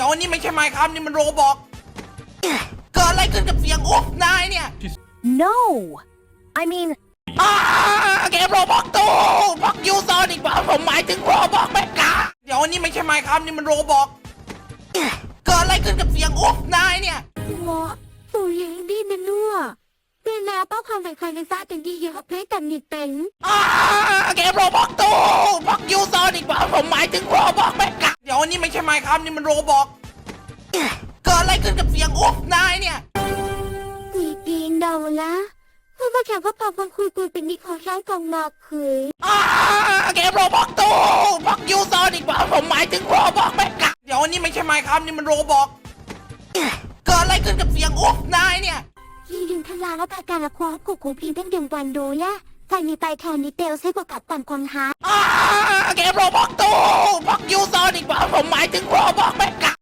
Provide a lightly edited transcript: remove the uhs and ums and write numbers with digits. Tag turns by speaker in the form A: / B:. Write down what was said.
A: อันนี้ไม่ใช่ไมค์ครับนี่มันโรบอกเกิดอะไรขึ้นกับเสียงอุ๊บนายเนี่ย
B: No I mean
A: เกมโรบอกตู้พักยูซอนอีกว่าผมหมายถึงโรบอกแม่กาเดี๋ยวอันนี้ไม่ใช่ไมค์ครับนี่มันโรบอกเกิดอะไรขึ้นกับเสียงอุ๊บนายเนี่ย
B: What ตัวยังดีนะนัวเป็นนาเป้าความเป็นใครในซาเป็นดีเยอะเพลงแต่นิดเป็น
A: เกมโรบอกตู้พักยูซอนอีกว่าผมหมายถึงโรบอกแม่กาเดี๋ยวอันนี้ไม่ใช่ไมค์ครับนี่มันโรบอกเกิดอะไรขึ้นกับเสียงอุ๊บนายเนี่ย
B: ปีนเดาละเพื่อมาแข่งก็พอฟังคุยเป็นนิคอช้างกองมาคืย
A: เกมโรบอกตู้พักยูซอนอีกว่าผมหมายถึงโรบอกแม่กาเดี๋ยวอันนี้ไม่ใช่ไมค์ครับนี่มันโรบอกเกิดอะไรขึ้นกับเสียงอุ๊บนายเนี่ย
B: ที่ดึงทลาและประการละความกุกกูพีเป็นเดือนวันดูยะใครมีไปแทนนิเตลใช้ประกาศปั่นคนหา
A: เกมโรบอกตู้พักยูซอนอีกว่าผมหมายถึงโรบอกแม่กา